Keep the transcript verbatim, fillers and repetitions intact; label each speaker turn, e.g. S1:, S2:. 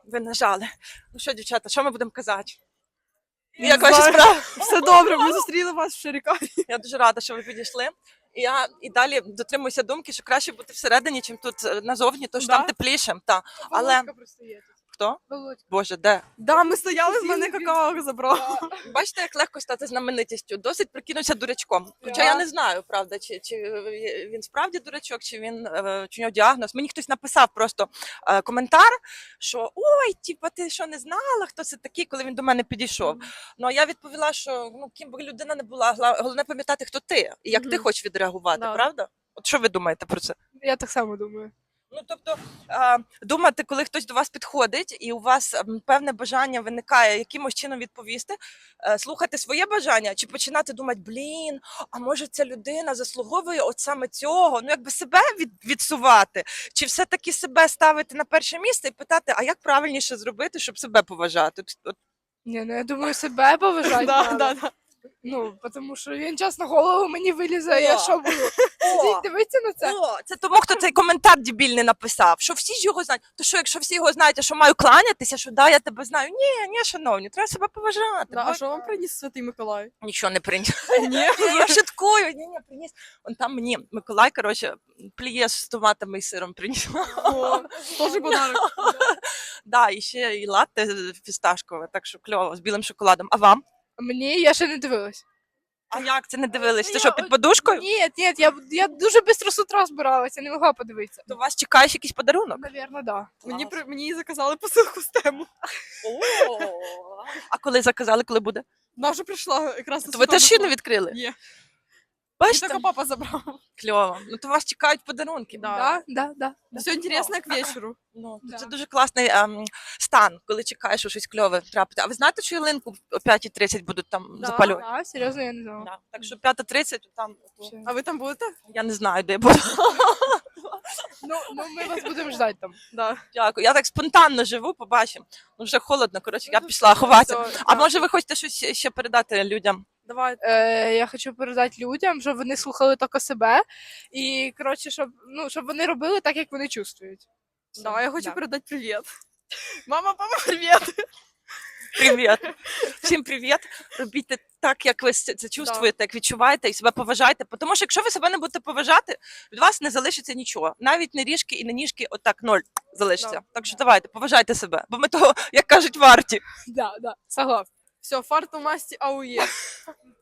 S1: Ви нажали. Ну що, дівчата, що ми будемо казати?
S2: Не
S1: Як ваші
S2: знаю.
S1: справи?
S2: Все добре, ми зустріли вас в Шарікаві.
S1: Я дуже рада, що ви підійшли. І я і далі дотримуюся думки, що краще бути всередині, чим тут е, назовні, тому що
S2: Да?
S1: там тепліше. Та. Але-
S2: Володька просто є тут.
S1: Хто?
S2: Володька.
S1: Боже, де?
S2: Да, ми стояли, в
S1: Всі
S2: мене
S1: він-
S2: какао забрав.
S1: Бачите, як легко стати знаменитістю. Досить прикинувся дурачком. Хоча
S2: Да.
S1: я не знаю, правда, чи, чи він справді дурачок, чи він е, чи у нього діагноз. Мені хтось написав просто е, коментар, що ой, типа, ти що не знала, хто це такий, коли він до мене підійшов. Ну а я відповіла, що ну ким би людина не була, гла- головне пам'ятати, хто ти і як ти
S2: Мгм.
S1: хочеш відреагувати,
S2: Да.
S1: правда? От що ви думаєте про це?
S2: Я так само думаю.
S1: Ну, тобто, а, думати, коли хтось до вас підходить, і у вас м, певне бажання виникає якимось чином відповісти, е, слухати своє бажання, чи починати думати, блін, а може ця людина заслуговує от саме цього, ну якби себе від, відсувати, чи все-таки себе ставити на перше місце і питати, а як правильніше зробити, щоб себе поважати? От, от,
S2: Ні, ну я думаю, себе поважати.
S3: Да,
S2: надо.
S3: да, да.
S2: Ну, тому що він час на голову мені вилізе,
S1: О.
S2: я що буду?
S1: О.
S2: Сидіть, дивіться на це.
S1: О, це тому, хто цей коментар дебільний написав, що всі ж його знають. То що, якщо всі його знають, а що маю кланятися, що да, я тебе знаю. Ні, ні, шановні, треба себе поважати.
S3: Да,
S1: бо-
S3: а що вам приніс Святий Миколай?
S1: Нічого не приніс.
S3: Ні.
S1: Я шуткую, ні, ні, приніс. Он там мені Миколай, коротше, пліє з томатами і сиром приніс.
S3: О, Тоже подарок.
S1: Да, і ще і латте фісташкове, так що кльово, з білим шоколадом. А вам?
S2: Мені я ще не дивилась.
S1: А як це не дивились? Ти
S2: Я
S1: що,
S2: от-
S1: під подушкою?
S2: Ні, ні, я, я дуже швидко з утра збиралася, не могла подивитися.
S1: То вас чекаєш якийсь подарунок?
S2: Навірно, да.
S3: Мені, при- мені заказали посилку з тему.
S1: А коли заказали, коли буде?
S3: Вона вже прийшла якраз на
S1: То ви
S3: Святого
S1: теж ще не
S3: Миколая.
S1: відкрили?
S3: Ні.
S1: Бачите?
S3: Тільки папа забрав.
S1: Кльово. Ну то вас чекають подарунки.
S3: Да.
S2: Да, да, да. да.
S3: Все інтересно к вечору.
S1: Ну,
S2: Да.
S1: це дуже класний ем, стан, коли чекаєш, що щось кльове трапити. А ви знаєте, що ялинку о п'ятій тридцять будуть там
S3: Да.
S1: запалювати?
S2: Да, серйозно, я не знала.
S1: Да. Так що п'ята тридцять там,
S2: Ще.
S3: А ви там будете?
S1: я не знаю, де я буду.
S2: Ну, ну, ми вас будемо ждати там.
S3: Да.
S1: Дякую. Я так спонтанно живу, побачимо. Ну вже холодно, коротше, я пішла ховатися.
S3: Все,
S1: А
S3: да.
S1: може ви хочете щось ще передати людям?
S3: Давай.
S2: Е, я хочу передати людям, щоб вони слухали тільки себе. І, коротше, щоб, ну, щоб вони робили так, як вони чувствують.
S3: Да, я хочу
S2: Да.
S3: передати привіт. Мама, папа, привіт.
S1: Привіт. Всім привіт. Робіть так, як ви це це чувствуєте, як відчуваєте і себе поважайте. Тому що якщо ви себе не будете поважати, від вас не залишиться нічого. Навіть не ріжки і не ніжки, отак ноль залишиться.
S3: Да.
S1: Так що давайте, поважайте себе, бо ми того, як кажуть, варті.
S2: Да, да, согласна.
S3: Все, фарту масті аує.